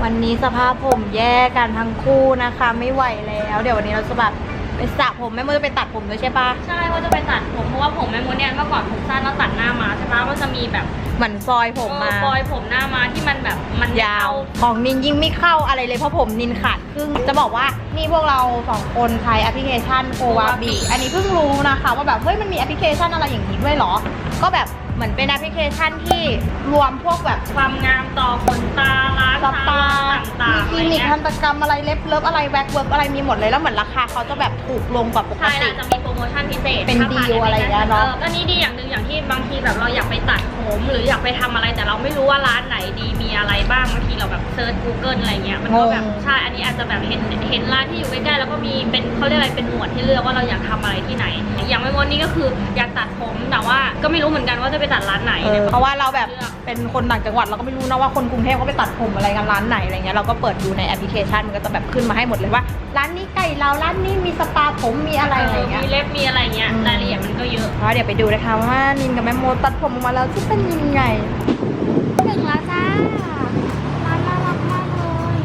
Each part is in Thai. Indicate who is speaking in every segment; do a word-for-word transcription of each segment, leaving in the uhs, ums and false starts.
Speaker 1: วันนี้สภาพผมแย่กันทั้งคู่นะคะไม่ไหวแล้วเดี๋ยววันนี้เราจะแบบไปสระผมแม่มดจะไปตัดผมด้วยใช่ปะ
Speaker 2: ใช่ว่าจะไปตัดผมเพราะว่าผมแม่มดเนี่ยเมื่อก่อนผมสั้นแล้วตัดหน้ามาใช่ปะก็จะมีแบบ
Speaker 1: เหมือนซอยผมมา
Speaker 2: ซอยผมหน้ามาที่มันแบบมัน
Speaker 1: ยาวของนินยิ่งไม่เข้าอะไรเลยเพราะผมนินขาดครึ่งจะบอกว่านี่พวกเราสองคนใช้แอปพลิเคชันโกวาบีอันนี้เพิ่งรู้นะคะว่าแบบเฮ้ยมันมีแอปพลิเคชันอะไรอย่างนี้ด้วยเหรอก็แบบเหมือนเป็นแอปพลิเคชันที่รวมพวกแบบ
Speaker 2: ความงามต่อขนตาล้างตาต่างๆ
Speaker 1: มีคลินิกทันตกรรมอะไรเล็บเลิฟอะไรแว็กเวิร์กอะไรมีหมดเลยแล้วเหมือนราคาเขาจะแบบถูกลงกว่าปกติ
Speaker 2: ใช่จะมีโปรโมชั่นพิเศษ
Speaker 1: เป็นดีลอะไรอย่างเงี้ยเนาะ
Speaker 2: ก็นี่ดีอย่างหนึ่งอย่างที่บางทีแบบเราอยากไปตัดผมหรืออยากไปทำอะไรแต่เราไม่รู้ว่าร้านไหนดีมีอะไรบ้างบางทีเราแบบเซิร์ช กูเกิล อะไรเงี้ยมันก็แบบใช่อันนี้อาจจะแบบเห็นเห็นร้านที่อยู่ใกล้ๆแล้วก็มีเป็นเขาเรียกอะไรเป็นหมวดที่เลือกว่าเราอยากทำอะไรที่ไหนอย่างไม่มดนี่ก็คืออยากตัดผมแต่ว่าก็ไม่รู้เหมือนกันว่าจะไปตัดร้านไหน
Speaker 1: เพราะว่าเราแบบเป็นคนต่างจังหวัดเราก็ไม่รู้นะว่าคนกรุงเทพเขาไปตัดผมอะไรกันร้านไหนอะไรเงี้ยเราก็เปิดดูในแอปพลิเคชันมันก็จะแบบขึ้นมาให้หมดเลยว่าร้านนี้ใกล้เราร้านนี้มีสปาผมมีอะไรอะไรเงี้ย
Speaker 2: มีเล็บมีอะไรเงี้ยรายละเอียดมันก็เยอะ
Speaker 1: เพราะเดี๋ยวไปดูนะคะว่านินกับแม่โมตัดผมออกมาแล้วจะเป็นยังไง
Speaker 2: ถึงแล้วจ้าร้านน่ารักมากเลย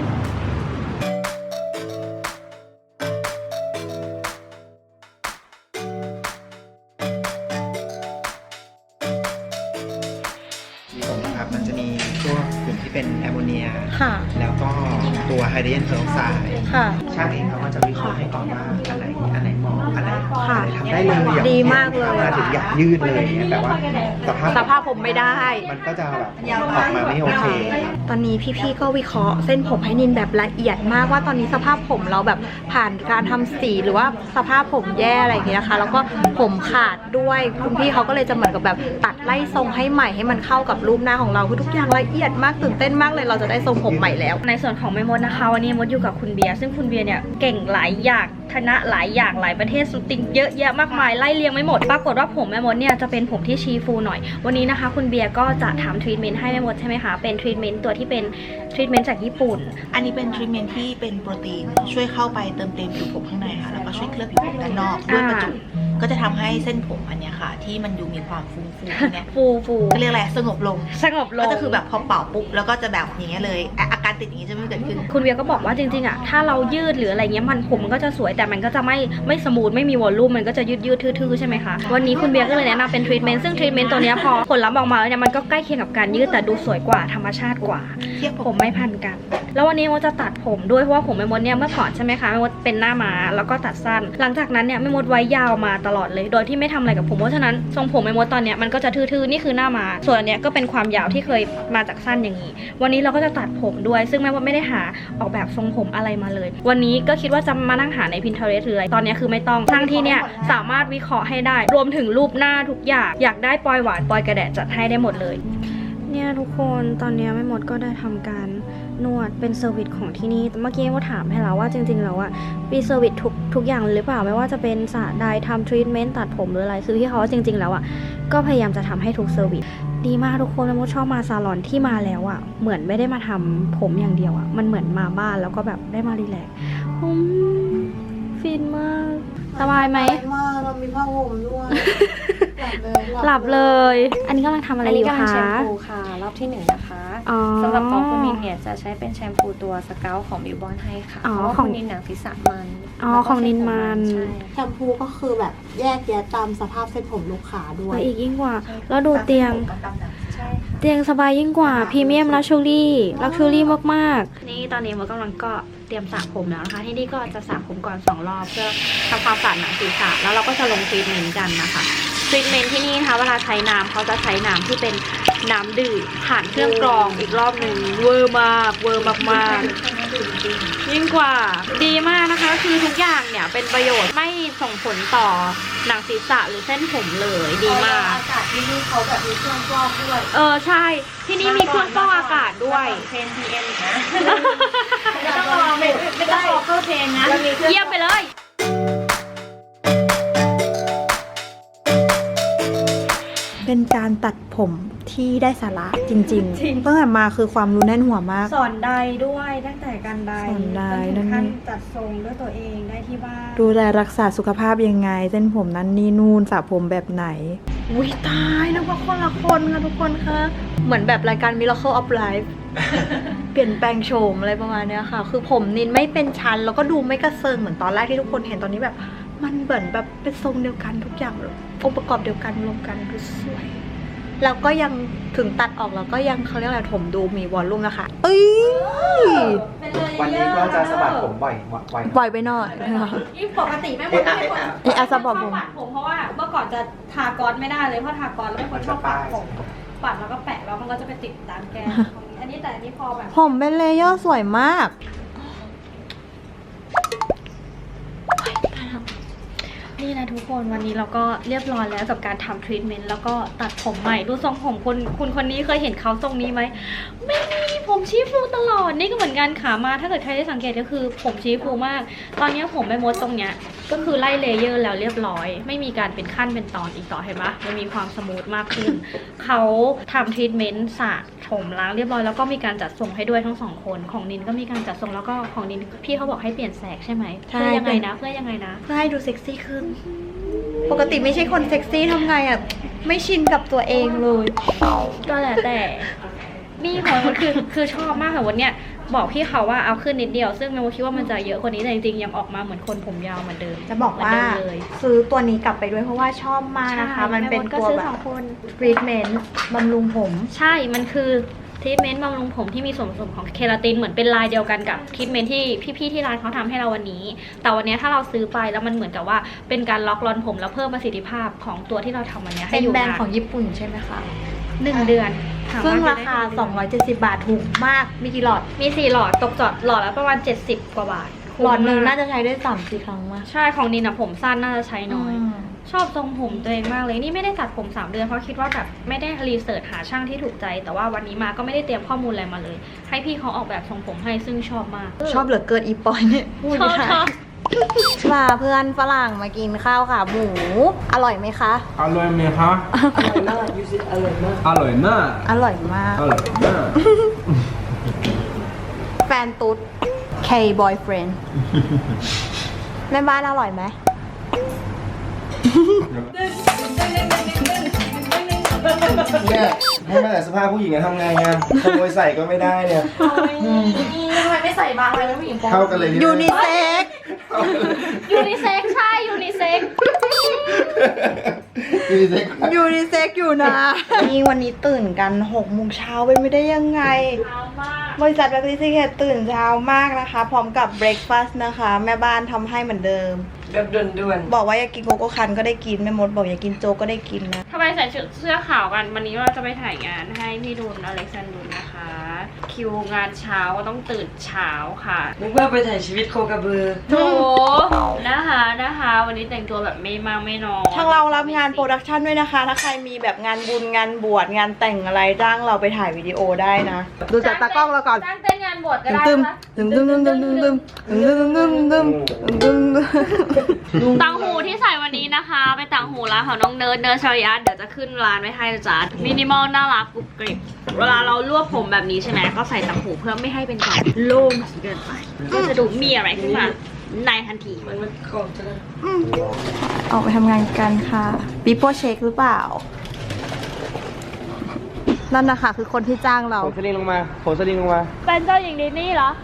Speaker 3: ผมนะครับมันจะมีพวกกลุ่มที่เป็นแอมโมเนียแล้วก็ตัวไฮโดรเจนเพอร์ออกไซด์ช่างเองเขาก็จะวิเคราะห์ให้ก่อนว่าอันไหนอันไหนเหมาะอันไหนทำได้เลยอย่าง
Speaker 1: ดีมากเลย
Speaker 3: มาถึงอยากยืดเลยเนี่ยแต่ว่าสภาพ
Speaker 1: สภาพผมไม่ได้
Speaker 3: มันก็จะแบบออกมาไม่โอเค
Speaker 1: ตอนนี้พี่ๆก็วิเคราะห์เส้นผมให้นินแบบละเอียดมากว่าตอนนี้สภาพผมเราแบบผ่านการทำสีหรือว่าสภาพผมแย่อะไรอย่างเงี้ยนะคะแล้วก็ผมขาดด้วยคุณพี่เขาก็เลยจะเหมือนกับแบบตัดไล่ทรงให้ใหม่ให้มันเข้ากับรูปหน้าของเราคือทุกอย่างละเอียดมากตื่นเต้นมากเลยเราจะได้ทรงผมใหม่แล้ว
Speaker 2: ในส่วนของแม่มดนะคะวันนี้มดอยู่กับคุณเบียร์ซึ่งคุณเบียร์เนี่ยเก่งหลายอย่างคณะหลายอย่างหลายประเทศสุดติงเยอะแยะมากมายไล่เรียงไม่หมดปรากฏว่าผมแม่มดเนี่ยจะเป็นผมที่ชีฟูหน่อยวันนี้นะคะคุณเบียร์ก็จะทำทรีทเมนต์ให้แม่มดใช่ไหมคะเป็นทรีทเมนต์ตัวที่เป็นทรีทเมนต์จากญี่ปุ่น
Speaker 4: อันนี้เป็นทรีทเมนต์ที่เป็นโปรตีนช่วยเข้าไปเติมเต็มผิวผมข้างในค่ะแล้วก็ช่วยเคลือบผิวผมด้านนอกด้วยประจุก็จะทำให้เส้นผมอันนี้ค่ะที่มันดูมีความฟูฟูเนี่ย
Speaker 2: ฟูฟู
Speaker 4: ก็เรียกอะไรสงบลง
Speaker 2: สงบลง
Speaker 4: ก็จะคือแบบพอเป่าปุ๊บแล้วก็จะแบบอย่างเงี้ยเลยอาการติดอย่างนี้จะไม่เกิดขึ้น
Speaker 2: คุณเบียร์ก็บอกว่าจริงๆอ่ะถ้าเรายืดหรืออะไรเงี้ยมันผมมันก็จะสวยแต่มันก็จะไม่ไม่สมูทไม่มีวอลลุ่มมันก็จะยืดยืดทื่อๆใช่ไหมคะวันนี้คุณเบียร์ก็เลยแนะนำเป็นทรีทเมนต์ซึ่งทรีทเมนต์ตัวนี้พอผลลัพธ์ออกมาแล้วเนี่ยมันก็ใกล้เคียงกับการยืดแต่ดูสวยกว่าธรรมชาติกว่าผมไม่พันกันแล้ววันนี้มดจะตัดผมด้วยเพราะว่าผมแม่มดเนี่ยเมื่อก่อนใช่ไหมคะแม่มดเป็นหน้าม้าแล้วก็ตัดสั้นหลังจากนั้นเนี่ยแม่มดไว้ยาวมาตลอดเลยโดยที่ไม่ทำอะไรกับผมเพราะฉะนั้นทรงผมแม่มดตอนเนี้ยมันก็จะทื่อๆนี่คือหน้าม้าส่วนอันเนี้ยก็เป็นความยาวที่เคยมาจากสั้นอย่างนี้วันนี้เราก็จะตัดผมด้วยซึ่งแม่มดไม่ได้หาออกแบบทรงผมอะไรมาเลยวันนี้ก็คิดว่าจะมานั่งหาใน Pinterest หรืออะไรตอนนี้คือไม่ต้องทั้งที่เนี่ยสามารถวิเคราะห์ให้ได้รวมถึงรูปหน้าทุกอย่างอยากได้ปลอยหวานปลอยกระแดะจัดให้ได้หมดเลยเนี่ยทุกคนตอนนี้แม่มดก็ได้ทำการนวดเป็นเซอร์วิสของที่นี่เมื่อกี้ก็ถามให้แล้วว่าจริงๆแล้วอะมีเซอร์วิสทุกทุกอย่างหรือเปล่าไม่ว่าจะเป็นสระใดทำทรีทเมนต์ตัดผมหรืออะไรคือพี่เขาจริงๆแล้วอะก็พยายามจะทำให้ทุกเซอร์วิสดีมากทุกคนแม่มดชอบมาซาลอนที่มาแล้วอะเหมือนไม่ได้มาทำผมอย่างเดียวอะมันเหมือนมาบ้านแล้วก็แบบได้มารีแลกซ์ฟินมากสบายไหม
Speaker 1: มากเรามีผ้าห่มด้วย
Speaker 2: หลับเลย อันนี้กำลังทำอะไรอยู่คะ
Speaker 5: แชมพูค่ะรอบที่หนึ่งนะคะสำหรับของคุณนินเนี่ยจะใช้เป็นแชมพูตัวสเกลของบิวบอนให้ค่ะเพราะว่าคุณนินหนังศีรษะมัน
Speaker 2: อ๋อของนินมัน
Speaker 1: แชมพูก็คือแบบแยกแยะตามสภาพเส้นผมลูกค้าด้วย
Speaker 2: อีกยิ่งกว่าแล้วดูเตียงเตียงสบายยิ่งกว่าพรีเมียมลักชัวรี่ลักชัวรี่มากๆนี่ตอนนี้มันกำลังก็เตรียมสระผมแล้วนะคะที่นี่ก็จะสระผมก่อนสองรอบเพื่อทำความสะอาดหนังศีรษะแล้วเราก็จะลงทรีทเมนต์กันนะคะทรีทเมนต์ที่นี่นะคะเวลาใช้น้ำเขาจะใช้น้ำที่เป็นน้ำดื่มผ่านเครื่องกรองอีกรอบหนึ่งเวอร์มากเวอร์มากๆยิ่งกว่าดีมากนะคะคือทุกอย่างเนี่ยเป็นประโยชน์ไม่ส่งผลต่อหนังศีรษะหรือเส้นผมเลยดีมาก
Speaker 1: อากาศที่นี่เขาแบบมีเครื่องฟอกด้วย
Speaker 2: เออใช่ที่นี่มีเครื่องฟอกอากาศด้วย
Speaker 1: เทน พี เอ็ม นะไม่ต้องรอไม่ไม่ต้องรอเข้าเทนนะ
Speaker 2: เยี่ยมไปเลย
Speaker 1: เป็นการตัดผมที่ได้สาระจริงๆตั้งแต่มาคือความรู้แน่นหัวมาก
Speaker 2: สอนใดด้วยตั้งแต่การใด
Speaker 1: สอนใด
Speaker 2: นั่นขั้นจัดทรงด้วยตัวเองได้ที่บ้าน
Speaker 1: ดูแลรักษาสุขภาพยังไงเส้นผมนั้นนี่นู่นสระผมแบบไหนอุ้ยตายนะว่าคนละคนค่ะทุกคนคะเหมือนแบบรายการ Miracle of Life เปลี่ยนแปลงโฉมอะไรประมาณเนี้ยค่ะ คือผมนินไม่เป็นชั้นแล้วก็ดูไม่กระเซิงเหมือนตอนแรกที่ทุกคนเห็นตอนนี้แบบ มันเหมือนแบบเป็นทรงเดียวกันทุกอย่างเลยองค์ประกอบเดียวกันรวมกันดูสวยแล้วก็ยังถึงตัดออกแล้วก็ยังเขาเรียกอะไรถมดูมีวอลลุ่มนะคะเอ้ย
Speaker 3: วันนี้ก็จะสะบัดผมบ่อยบ่อย
Speaker 1: ปล่อยไปหน่อยนะคะ
Speaker 2: ยิ่งปกติไม่ควรไม่ควร
Speaker 1: เอะอะสะบัดผม
Speaker 2: ปัดผมเพราะว่าเมื่อก่อนจะทากอนไม่ได้เลยเพราะทากอนแล้วไม่ควรชอบปัดผมปัดแล้วก็แปะแล้วมันก็จะไปติดตามแก้มตรงนี้อันนี้แต่อันนี้พอแบบ
Speaker 1: ผมเป็นเลเยอร์สวยมาก
Speaker 2: นี่นะทุกคนวันนี้เราก็เรียบร้อยแล้วกับการทำทรีทเมนต์แล้วก็ตัดผมใหม่ดูทรงผมคนคุณคนนี้เคยเห็นเขาทรงนี้ไหมไม่มีผมชี้ฟูตลอดนี่ก็เหมือนกันขามาถ้าเกิดใครได้สังเกตก็คือผมชี้ฟูมาก ตอนนี้ผมไม่มดตรงเนี้ยก็คือไล่เลเยอร์แล้วเรียบร้อยไม่มีการเป็นขั้นเป็นตอนอีกต่อเห็นปะมันมีความสมูทมากขึ้น เขาทำทรีทเมนต์สระผมล้างเรียบร้อยแล้วก็มีการจัดทรงให้ด้วยทั้งสองคนของนินก็มีการจัดทรงแล้วก็ของนินพี่เขาบอกให้เปลี่ยนแสกใช่ไหม
Speaker 1: ใช่
Speaker 2: เพื่อยังไงนะเพื่อยังไงนะ
Speaker 1: เพื่อให้ดูเซ็กซี่ขึ้น ปกติไม่ใช่คนเซ็กซี่ทำไงอ่ะ ไม่ชินกับตัวเองเลย
Speaker 2: ก็แล้วแต่นี่ของมันคือคือชอบมากค่ะวันเนี้ยบอกพี่เขาว่าเอาขึ้นนิดเดียว ซึ่งแมวคิดว่ามันจะเยอะกว่านี้แต่จริงๆยังออกมาเหมือนคนผมยาวเหมือนเดิม
Speaker 1: จะบอกว่า
Speaker 2: เหมืนเดิมเลย
Speaker 1: ซื้อตัวนี้กลับไปด้วยเพราะว่าชอบมากนะคะ มันเป็น
Speaker 2: ก็
Speaker 1: ตัว
Speaker 2: ซื้อ
Speaker 1: แบ
Speaker 2: ส
Speaker 1: บ
Speaker 2: องคน
Speaker 1: ทรีทเมนต์บำรุงผม
Speaker 2: ใช่มันคือทรีทเมนต์บำรุงผมที่มีส่วนผสมของเคราตินเหมือนเป็นลายเดียวกันกับทรีทเมนต์ที่พี่ๆที่ร้านเขาทำให้เราวันนี้ แต่วันนี้ถ้าเราซื้อไปแล้วมันเหมือนกับว่าเป็นการล็อกรอนผมแล้วเพิ่มประสิทธิภาพของตัวที่เราทำวันนี้ให้
Speaker 1: เป็น
Speaker 2: อยู่
Speaker 1: แบรน
Speaker 2: นา
Speaker 1: ด์ของญี่ปุ่นใช่ไหมคะ
Speaker 2: หนึ่งเดือนถม
Speaker 1: ซึ่ง
Speaker 2: ว่
Speaker 1: ราคา
Speaker 2: จะได้
Speaker 1: สองร้อยเจ็ดสิบบาทถูกมาก มีกี่หลอด
Speaker 2: มีสี่หลอดตกจอดหลอดละประมาณเจ็ดสิบกว่าบาท
Speaker 1: หลอดหนึ่ง
Speaker 2: คุ้มมก
Speaker 1: น่าจะใช้ได้สามสี่ครั้งมาก
Speaker 2: ใช่ของนินอะผมสั้นน่าจะใช้น้อย
Speaker 1: ม
Speaker 2: ชอบทรงผมตัวเองมากเลยนี่ไม่ได้ตัดผมสามเดือนเพราะคิดว่าแบบไม่ได้รีเสิร์ชหาช่างที่ถูกใจ แต่ว่าวันนี้มาก็ไม่ได้เตรียมข้อมูลอะไรมาเลย ให้พี่เขาออกแบบทรงผมให้ซึ่งชอบมาก
Speaker 1: ชอบเหลือเกินอีปอยเนี่ยพูด
Speaker 2: ชอบ
Speaker 1: ค่ะ
Speaker 2: ชอบ
Speaker 1: พาเพื่อนฝรั่งมากินข้าวขาหมู อร่อยไหมคะ
Speaker 6: อร่อยไหมคะ อร่อยมาก อร่อยมาก
Speaker 1: อร่อยมาก
Speaker 6: อร่อยมาก
Speaker 1: แฟนตุ๊ด K boyfriend แม่บ้านอร่อยไหม
Speaker 3: เนี่ยให้มาแต่สภาพผู้หญิงจะทำไงอ่ะขโมยใส่ก็ไม่ได้เนี่ย
Speaker 4: ทำไมไม่ใส่บางเลยนะผู้หญิง
Speaker 3: เข้ากันเลยนี่
Speaker 1: ยูนิเซ็ก
Speaker 2: ยูนิเซ็กใช่ยูนิเซ็ก
Speaker 3: ยูนิเซ็ก
Speaker 1: ยูนิเซ็กอยู่นะ นี่วันนี้ตื่นกันหกโมงเช้าเป็นไม่ได้ยังไง บริษัทแบล็คลิสต์เคตื่นเช้ามากนะคะ พร้อมกับเบรคฟาสต์นะคะ แม่บ้านทำให้เหมือนเดิม
Speaker 4: แบบด่วน
Speaker 1: บอกว่าอยากกินโกโก้คันก็ได้กินแม่มดบอกอยากกินโจ๊กก็ได้กินนะ
Speaker 2: ทำไมใส่ชุดเสื้อขาวกันวันนี้เราจะไปถ่ายงานให้พี่ดุลอเล็กซานดุลนะคะ คิวงานเช้าก็ต้องตื่นเช้าค่ะ
Speaker 7: นึกว่าไปถ่ายชีวิตโคกระบือ
Speaker 2: โถนะคะนะคะ วันนี้แต่งตัวแบบไม่มากไม่น้อย
Speaker 1: ทางเรารับงานโปรดักชันด้วยนะคะ ถ้าใครมีแบบงานบุญงานบวชงานแต่งอะไรจ้างเราไปถ่ายวิดีโอได้นะ ดูจากตากล้องเราก่อน
Speaker 2: จ้างเต้นงานบวชก็ได้
Speaker 1: ตึม
Speaker 2: นะ
Speaker 1: ตึมตึมตึมตึมตึมตึมตึมตึมตึมตึมตึม
Speaker 2: ต่างหูที่ใส่วันนี้นะคะ ไปต่างหูร้านของน้องเนิร์ดเนิร์ดชริยัตเดี๋ยวจะขึ้นร้านไว้ให้นะจ๊ะมินิมอลน่ารักกรุบกริบเวลาเรารวบผมแบบนี้ใช่ไหมก็ใส่ต่างหูเพื่อไม่ให้เป็นการโล่งเกินไปก็จะดูมีอะไรขึ้นมาในทันที
Speaker 1: ออกไปทำงานกันค่ะปีโป้เช็คหรือเปล่า นั่นนะคะคือคนที่จ้างเรา
Speaker 3: โผล่สลิงลงมาโผล่สลิงลงมา
Speaker 2: เป็นเจ้าหญิงดิสนีย์เหรอ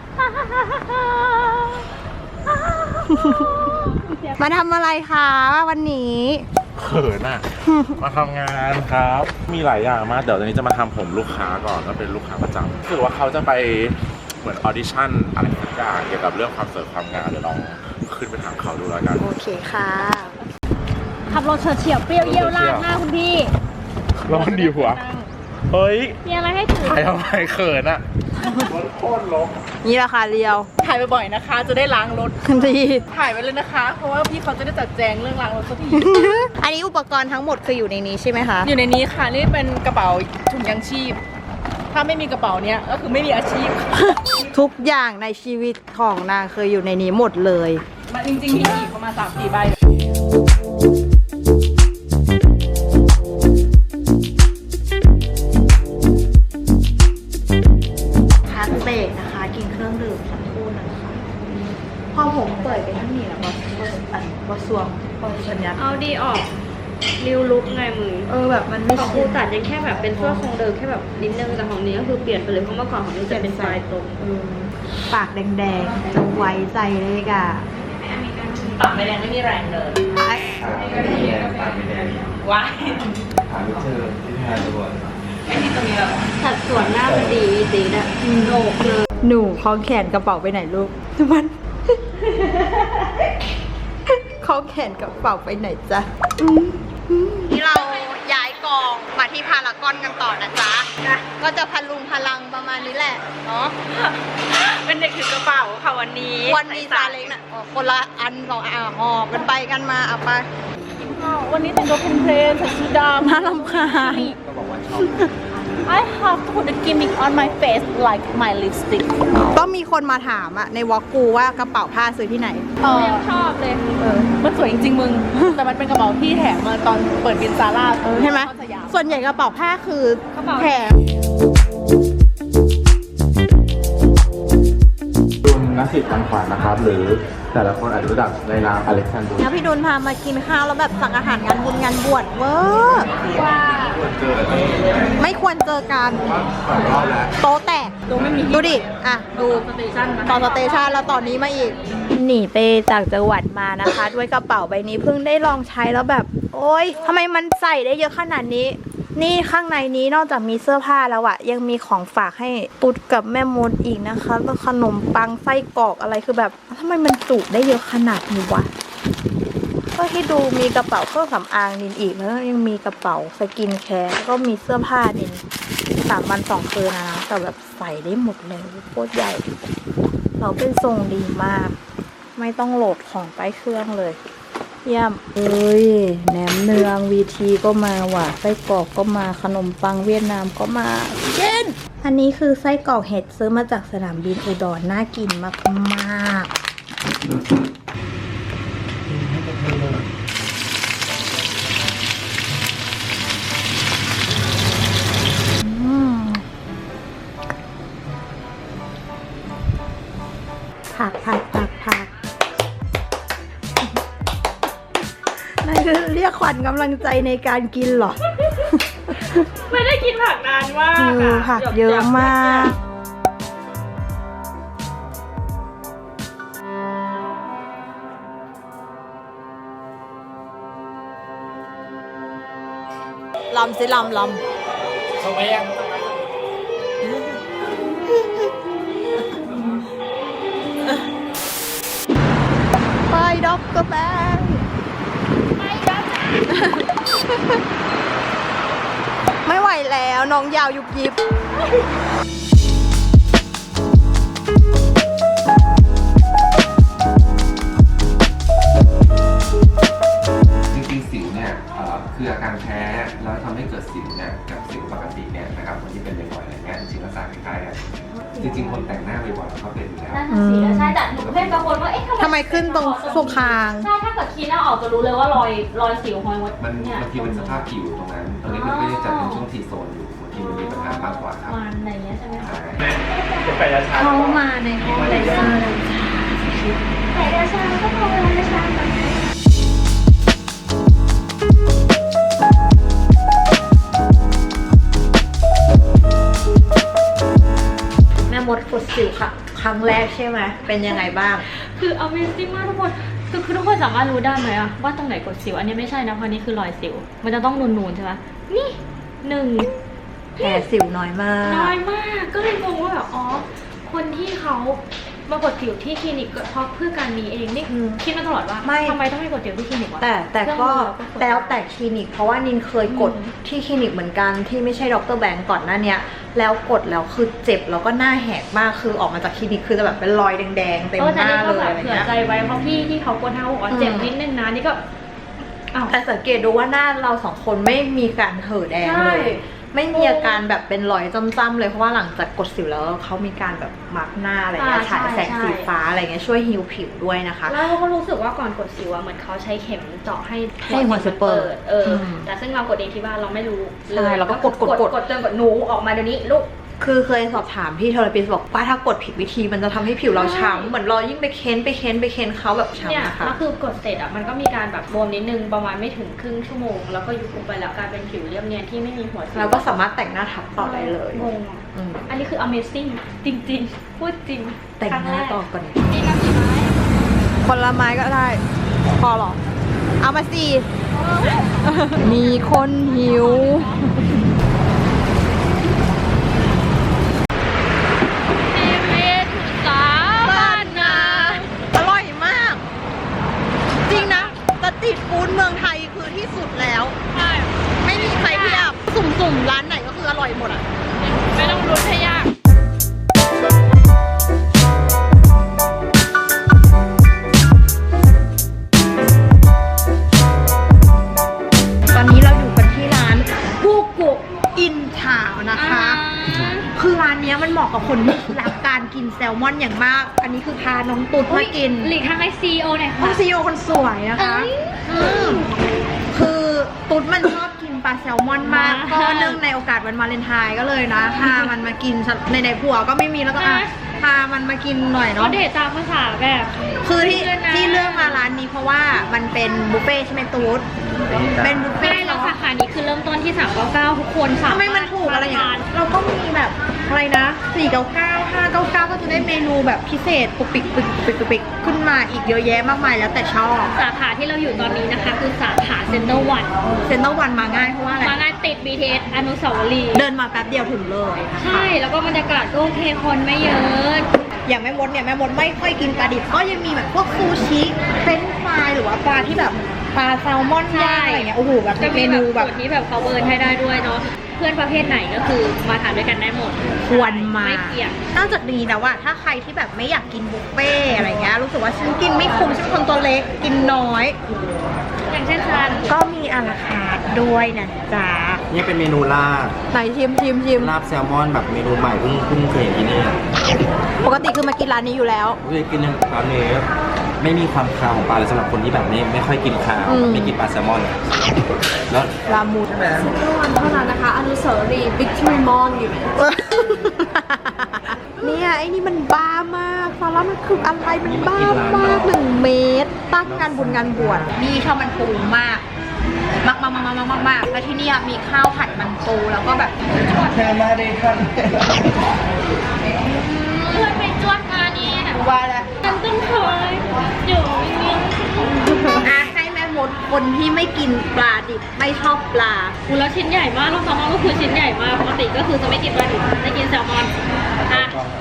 Speaker 1: มาทำอะไรคะวันนี้
Speaker 8: เขินอ่ะ มาทำงานครับ มีหลายอย่างมาก เดี๋ยวตอนนี้จะมาทำผมลูกค้าก่อนก็เป็นลูกค้าประจำคือว่าเขาจะไปเหมือนออดิชั่นอะไรสักอย่างเกี่ยวกับเรื่องความสวยความงามเดี๋ยวลองขึ้นไปถามเขาดูแล้วกัน
Speaker 1: โอเคค่ะ
Speaker 2: ขับรถเฉียวเฉียวเปรี้ยวเยี่ยวลาดหน้าคุณพี่
Speaker 8: ร้อนดีหัว เฮ้ย
Speaker 2: มีอะไรให้ถือ
Speaker 8: ถ่ายทำไมเขินอ่ะโคตรลก
Speaker 1: นี่ราคาเรียว
Speaker 9: ถ่ายบ่อยๆนะคะ จะได้ล้างรถ
Speaker 1: ดี
Speaker 9: ถ่ายไว้เลยนะคะ เพราะว่าพี่เขาจะได้จัดแจงเรื่องล้างรถสักที
Speaker 1: อันนี้อุปกรณ์ทั้งหมดคืออยู่ในนี้ใช่ไหมคะ
Speaker 9: อยู่ในนี้ค่ะ นี่เป็นกระเป๋าถุงยางชีพ ถ้าไม่มีกระเป๋าเนี้ยก็คือไม่มีอาชีพ
Speaker 1: ทุกอย่างในชีวิตของนางเคยอยู่ในนี้หมดเลย
Speaker 9: มาจริงๆมีอีกประมาณสามสี่ใบ
Speaker 1: พักเบรกนะคะ กินเครื่องดื่มสักครู่นะคะ พอผมเปิดไปทั้งนี้แล้วบอสบอสอันบอสสวงบอสสัญญาณ
Speaker 2: เอาดีออกนิวลุกไงมึง
Speaker 1: เออแบบมันไม่
Speaker 2: ของกูตัดยังแค่แบบเป็นเสื้อทรงเดิมแค่แบบนิดนึงแต่ของนี้ก็คือเปลี่ยนไปเลยเพราะเมื่อก่อนของนี้จะเป็นปลายตรง
Speaker 1: ปากแดงๆจะไว้ใจเลยกะ
Speaker 2: ปากไม่แรงไม่มีแรงเดิน
Speaker 3: ขาไม่แดงปากไม่แดง
Speaker 2: ว้าย
Speaker 3: ขาไม่เจอที่แทนตัว
Speaker 2: สัดส่วนหน้ามันดีดีนะโหนกเลย
Speaker 1: หนูคล้องแขนกระเป๋าไปไหนลูกมัน คล้องแขนกระเป๋าไปไหนจ๊ะนี่เราย้ายกองมาที่พารากอนกันต่อนะจ๊ะก็จะพลุงพลังประมาณนี้แหละเนาะ
Speaker 2: เป็นเด็กถือกระเป๋าค่ะวันนี้
Speaker 1: วันนี้ซาเล้งน่ะอ๋อคนละอันสองอ่ะหอบกันไปกันมาเอาไป
Speaker 9: วันนี้แต่งตัวเพลนๆใส่ชุดดำ
Speaker 1: น่ารำคาญ
Speaker 3: ก็บอกว่าชอบ
Speaker 9: I have to put a gimmick on my face like my lipstick
Speaker 1: ก็มีคนมาถามอะในวอลกูว่ากระเป๋าผ้าซื้อที่ไหน
Speaker 9: เออ
Speaker 2: ชอบเลย
Speaker 9: เออมันสวยจริงๆมึง แต่มันเป็นกระเป๋าที่แถมมาตอนเปิดบินซาร่า
Speaker 1: ใช่ไหม
Speaker 9: เข้าสยาม
Speaker 1: ส่วนใหญ่กระเป๋าผ้าคือก
Speaker 2: ระเป๋า
Speaker 1: แถม
Speaker 8: คุณนักสิทธิ์ปันขวัญนะครับ หรือแต่ละคนอาจจะรู้จักในนามอเล็กซานดรู
Speaker 1: แล้วพี่ดุลพามากินข้าวแล้วแบบสั่งอาหารงานบุญงานบวชเวอร์
Speaker 2: ว่า
Speaker 1: ไม่ควรเจอกันโต๊ะแตกดูดิ อ่ะ ดู
Speaker 2: สเตชันมา
Speaker 1: ตอนสเตชันแล้วตอนนี้มาอีก หนีไปจากจังหวัดมานะคะ ด้วยกระเป๋าใบนี้เพิ่งได้ลองใช้แล้วแบบ โอ๊ยทำไมมันใส่ได้เยอะขนาดนี้ นี่ข้างในนี้นอกจากมีเสื้อผ้าแล้วอะยังมีของฝากให้ตุ๊ดกับแม่มดอีกนะคะแล้วขนมปังไส้กรอกอะไรคือแบบทำไมมันจุได้เยอะขนาดนี้วะ ก็ที่ดูมีกระเป๋าเครื่องสำอางนินอีกแล้วยังมีกระเป๋าสกินแคร์แล้วก็มีเสื้อผ้านินสามวันสองคืนนะนะแต่แบบใส่ได้หมดเลยโคตรใหญ่เราเป็นทรงดีมาก ไม่ต้องโหลดของไปเครื่องเลยเยี่ยมเอ้ยแหนมเนืองวีทีก็มาว่ะไส้กรอกก็มาขนมปังเวียดนามก็มาเช่นอันนี้คือไส้กรอกเห็ดซื้อมาจากสนามบินอุดรน่ากินมากๆอืมผักผักผักผักนั่นคือเรียกขวัญกำลังใจในการกินเหรอ
Speaker 2: ไม่ได้กินผักนานมาก
Speaker 1: คือ
Speaker 2: อะ
Speaker 1: ผักเยอะมากลำสิลำลำเข้าไปยังไปด็อกเตอร์แบงไปด็อกไม่ไหวแล้วน้องยาวยุบยิบ
Speaker 3: จริงๆสิวเนี่ยเอ่อคืออาการแพ้แล้วทำให้เกิดสิวเนี่ยกับสิวปกติเนี่ยนะครับคนที่เป็นบ่อยๆอะไรเงี้ยจริงๆลักษณะคล้ายๆกันจริงๆคนแต่งหน้าบ่อยๆเขาเป็นอยู่แล้ว
Speaker 2: นั่นน่ะสิแล้วใช่แต่หนูเพื่อนบางคนว่าเอ๊ะ
Speaker 1: ทำไมขึ้นตรงสุคาง
Speaker 2: ใช่ถ้าเกิดคีหน้าออกจะรู้เลยว่ารอยรอยสิวหอยมด
Speaker 3: มัน
Speaker 2: เนี่ย
Speaker 3: บางทีเป็นสภาพผิวตรงนั้น ตรงนี้มันไม่ได้จัดเป็นช่วงทีโซนอยู่บางทีมันมีปัญหามากกว่าครับ
Speaker 2: มันอะไรเงี้ยใช่ไหมคะ
Speaker 3: ใช่
Speaker 2: เขามาในห้องเลเซอร์แต่เดชาก็พอเวลาเดชา
Speaker 1: แม่มดกดสิวค่ะ ครั้งแรกใช่ไหมเป็นยังไงบ้าง
Speaker 2: คือ Amazing มากทุกคนคือคือทุกคนสามารถรู้ได้ไหมอะว่าตรงไหนกดสิวอันนี้ไม่ใช่นะเพราะนี่คือรอยสิวมันจะต้องนูนๆใช่ไหมนี่หนึ่ง
Speaker 1: แผลสิวน้อยมาก
Speaker 2: น้อยมากก็เลยงงว่าแบบอ๋อคนที่เขามากดสิวที่คลินิกก็เพราะเพื่อการนี้เองนี่
Speaker 1: อืม
Speaker 2: คิดมาตลอดว่า
Speaker 1: ไม่
Speaker 2: ทำไมต้องไปกดสิวที่คลินิกวะ
Speaker 1: แต่แต่
Speaker 2: เครื่อง
Speaker 1: ก็
Speaker 2: มือเราก็กด
Speaker 1: แล้วแต่คลินิก เพราะว่านินเคยกด
Speaker 2: อืม
Speaker 1: ที่คลินิกเหมือนกันที่ไม่ใช่ดรแบงก์ก่อนหน้าเนี้ยแล้วกดแล้วคือเจ็บแล้วก็หน้าแหกมากคือออกมาจากคลินิกคือจะแบบเป็นรอยแดงๆเต็ม
Speaker 2: เออ
Speaker 1: ห
Speaker 2: แต่
Speaker 1: น้า
Speaker 2: นี่ก็
Speaker 1: เลย
Speaker 2: แบบ
Speaker 1: อะไร
Speaker 2: เผื่อ
Speaker 1: เงี้ย
Speaker 2: ใจไว้เพราะพี่ที่เขากดให้เขาบอกว่าเจ็บ
Speaker 1: อืม
Speaker 2: นิดนึงนะนี่ก็อ้าว
Speaker 1: แต่สังเกตดูว่าหน้าเราสองคนไม่มีการเห่อะแดง
Speaker 2: ใช่
Speaker 1: เลยไม่มีอาการแบบเป็นรอยจ้ำๆเลยเพราะว่าหลังจากกดสิวแล้วเขามีการแบบมาร์กหน้าอะไรเงี้ย
Speaker 2: อ่า
Speaker 1: ฉายแสง
Speaker 2: ใช่
Speaker 1: สีฟ้าอะไรเงี้ยช่วยฮิวผิวด้วยนะคะ
Speaker 2: แล้วเราก็รู้สึกว่าก่อนกดสิวอะเหมือนเขาใช้เข็มเจาะให้
Speaker 1: ให้หัวสิวเปิด
Speaker 2: เอออ
Speaker 1: ม
Speaker 2: แต่ซึ่งเรากดเองที่บ้านเราไม่รู้
Speaker 1: ใช่เราก็กดกดกด
Speaker 2: กดจนกดหนูออกมาเดี๋ยวนี้ลูก
Speaker 1: คือเคยสอบถามพี่เทอราปิสต์บอกว่าถ้ากดผิดวิธีมันจะทำให้ผิวเราช้ำเหมือนเรายิ่งไปเค้นไปเค้นไปเค้นเขาแบบ
Speaker 2: เนี่ย
Speaker 1: ช้ำนะคะ
Speaker 2: ก็คือกดเสร็จอ่ะมันก็มีการแบบบวมนิดนึงประมาณไม่ถึงครึ่งชั่วโมงแล้วก็ยุบลงไปแล้วกลายเป็นผิวเรียบเนียนที่ไม่มีหัวสิว
Speaker 1: แล้วก็สามารถแต่งหน้าทับต่อได้เลย
Speaker 2: งงอะ
Speaker 1: อืม
Speaker 2: อันนี้คือ amazing จริงๆ พูดจริง
Speaker 1: แต่งหน้าต่อก่อน
Speaker 2: นี่น้ำสีไม้
Speaker 1: คนละไม้ก็ได้ พอหรอ เอามาสิ มีคนหิว อร่อยมาก จริงนะสตรีทฟู้ดเมืองไทยคือที่สุดแล้ว
Speaker 2: ใช่
Speaker 1: ไม่มีใครเทียบสุ่มๆ ร้านไหนก็คืออร่อยหมดอ่ะ
Speaker 2: ไม่ต้องรุ้นให้ยาก
Speaker 1: ตอนนี้เราอยู่กันที่ร้านกูกุอินทาวนะคะ คือร้านเนี้ยมันเหมาะกับคนที่รักการกินแซลมอนอย่างมาก อันนี้คือพาน้องตุ๊ดมากิน
Speaker 2: หลีกทางให้ซีโอหน่อย
Speaker 1: น้อ
Speaker 2: ค่ะ
Speaker 1: งซีโอคนสวยนะคะอืมคือตุ๊ดมันชอบกินปลาแซลมอนมาก ก็เนื่องในโอกาสวันวาเลนไทน์ก็เลยนะพามันมากินในในผัวก็ไม่มีแล้วก็อ่ะพามันมากินหน่อย
Speaker 2: เขา
Speaker 1: เนาะ
Speaker 2: เดทตามภาษาแบบ
Speaker 1: คือที่
Speaker 2: เพื่อนนะ
Speaker 1: ที่เลือกมาร้านนี้เพราะว่ามันเป็นบุฟเฟ่ต์ใช่ไหมตุ๊ดเป็นบุฟเฟ่
Speaker 2: ใช่
Speaker 1: ต์
Speaker 2: แล้ว
Speaker 1: เนาะ
Speaker 2: สาขานี้คือเริ่มต้นที่สามเก้าเก้าทุกคนสา
Speaker 1: ทำไมมันถูกอะไรอย่างเงี้ยเราก็มีแบบอะไรนะสี่เก้าเก้า ห้าเก้าเก้าก็จะได้เมนูแบบพิเศษปุกปิกปุกปิกปุกปิกขึ้นมาอีกเยอะแยะมากมายแล้วแต่ชอบ
Speaker 2: สาขาที่เราอยู่ตอนนี้นะคะ คือสาขาเซ็นเตอร์วัน
Speaker 1: เซ็นเตอร์วันมาง่ายเพราะว่าอะไร
Speaker 2: มาง่ายติด บี ที เอส อนุสาวรีย์
Speaker 1: เดินมาแป๊บเดียวถึงเลยนะคะ
Speaker 2: ใช่ แล้วก็บรรยากาศก็โอเคคนไม่เยอะ
Speaker 1: อย่างแม่มดเนี่ยแม่มดไม่ค่อยกินปลาดิบก็ยังมีแบบพวกซูชิเฟรนช์ฟรายหรือว่าปลาที่แบบปลาแซลมอนย่างอะไรเงี้ยโอ้โหแบบ
Speaker 2: จะ
Speaker 1: เม
Speaker 2: มี
Speaker 1: นู
Speaker 2: แบ
Speaker 1: แบบ บ
Speaker 2: ส่วนที่แบบเขาเบิร์นให้ได้ด้วยเนาะ เพื่อนประเภทไหนก็คือมาทานด้วยกันได้หมด
Speaker 1: ควรมา
Speaker 2: ไม่เกี่ยง
Speaker 1: นอกจากนี้นะว่าถ้าใครที่แบบไม่อยากกินบุฟเฟ่ต์อะไรเงี้ยรู้สึกว่าฉันกินไม่คุ้มฉันเป็นคนตัวเล็กกินน้อย
Speaker 2: อย่างเช่นทาน
Speaker 1: ก็มีอาราคาร์ทด้วยนะจ๊ะ
Speaker 3: นี่เป็นเมนูลาบ
Speaker 1: ไหนชิมชิมชิม
Speaker 3: ลาบแซลมอนแบบเมนูใหม่เพิ่งเพิ่งเคยเห็นที่นี่
Speaker 1: ปกติคือมากินร้านนี้อยู่แล้ว
Speaker 3: เคยกินร้านนี้ไม่มีความคาวของปลาเลยสำหรับคนที่แบบไม่ไม่ค่อยกินคาว
Speaker 1: อืม
Speaker 3: ไม่กินปลาแซลมอน แล้ว
Speaker 1: ลามูด
Speaker 5: วันเท่านั้นนะคะ อนุสาวรีย์วิกตอรี่มอลอยู่
Speaker 1: เนี่ยไอ้นี่มันบ้ามากซาร่ามันคืออะไรมันบ้ามากหนึ่งเมตร ตั้งงานบุญงานบวชนี่ชอบมันปูมาก มากมากมากมากมากมากแล้วที่เนี่ยมีข้าวผัดมันปูแล้วก็แบบ
Speaker 3: แค่มาได้ทัน
Speaker 2: เพื่อนไปจวดมานี่
Speaker 1: ว่าแล้ว
Speaker 2: ฉันต้องคอยอยู่นิ่ง
Speaker 1: อ่ะให้แม่มดคนที่ไม่กินปลาดิบไม่ชอบปลา
Speaker 2: ๆอูแล้วชิ้นใหญ่มากลูกแซลมอนก็คือชิ้นใหญ่มาก ปกติก็คือจะไม่กินปลาดิบไม่กินแซลมอน อ่ะ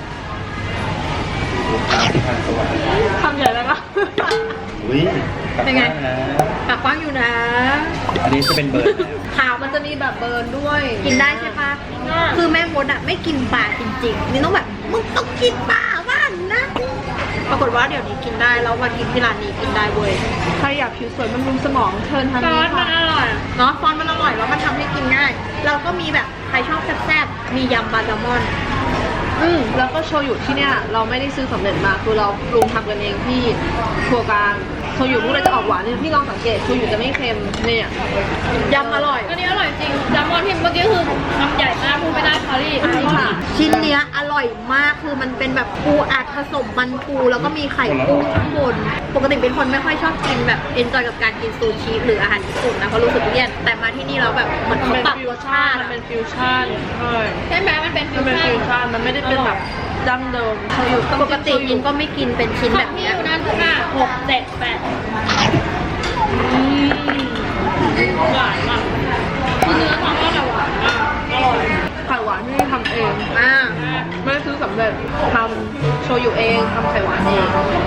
Speaker 2: คำใหญ่เลยปะ
Speaker 3: อุ้ย
Speaker 1: เป็นไง ปากกว้างอยู่นะ
Speaker 3: อันนี้จะเป็นเบอร์
Speaker 1: ขาวมันจะมีแบบเบิร์นด้วย กินได้ใช่ปะคือแม่มดอ่ะไม่กินปลาจริงๆนี่ต้องแบบมึงต้องกินปลาบ้านนะ ปรากฏว่าเดี๋ยวนี้กินได้แล้วมากินที่ร้านนี้กินได้เว้ย
Speaker 9: ใครอยากผิวสวยบำรุงสมองเชิญทาง
Speaker 2: ซอ
Speaker 9: นี้
Speaker 2: สมั
Speaker 9: ค่ะ
Speaker 2: นอร่อย
Speaker 1: เนาะฟอนต์มันอร่อยแล้วมันทำให้กินง่าย เราก็มีแบบใครชอบแซ่บๆ มียำปลาแซลมอน
Speaker 9: อืมแล้วก็โชยุที่เนี่ยเราไม่ได้ซื้อสำเร็จมาคือเราปรุงทำกันเองที่ครัวกลางโชยุพวกเราจะออกหวานเนี่ยพี่ลองสังเกตโชยุจะไม่เค็มเนี่ย
Speaker 1: ยำอร่อย
Speaker 2: อันนี้อร่อยจริงแซลมอนที่เมื่อกี้คือทำใหญ่มากพูดไม่ได้คารี่
Speaker 1: ชิ้นเนี้ยอร่อยมากคือมันเป็นแบบปูอัดผสมมันปูแล้วก็มีไข่กุ้งข้างบน ปกติเป็นคนไม่ค่อยชอบกินแบบเอนจอยกับการกินซูชิหรืออาหารญี่ปุ่นนะเพราะรู้สึกเลี่ยนแต่มาที่นี่เราแบบเหมือนเขาปรับรสชาติ
Speaker 9: มัน
Speaker 1: อะ
Speaker 9: เป็นฟิวชั่นใช่
Speaker 2: ใช่ไหมมันเป็นฟิ
Speaker 9: มั
Speaker 2: วน
Speaker 9: เป็น
Speaker 2: ชั่
Speaker 9: ฟิวน ชั่นมันไม่ได้เป็นแบบดั้งเดิมโชยุต้อง
Speaker 1: ปกติ
Speaker 9: โช
Speaker 1: กิ
Speaker 9: ยุ
Speaker 1: นก็ไม่กินเป็นชิ้น
Speaker 2: ข
Speaker 1: แบ
Speaker 2: อง
Speaker 1: บ
Speaker 2: พี่
Speaker 1: เนี้ย
Speaker 2: อยู่นั่นห้าหกเจ็ดแปดอืมหวานมากคือเนื้อแซลมอนอะหวานมากอร่อย
Speaker 9: ไข่หวานที่นี่ทำเอง
Speaker 1: อ่า
Speaker 9: ไม่ได้ซื้อสำเร็จทำโชยุเองทำไข่หวานเอง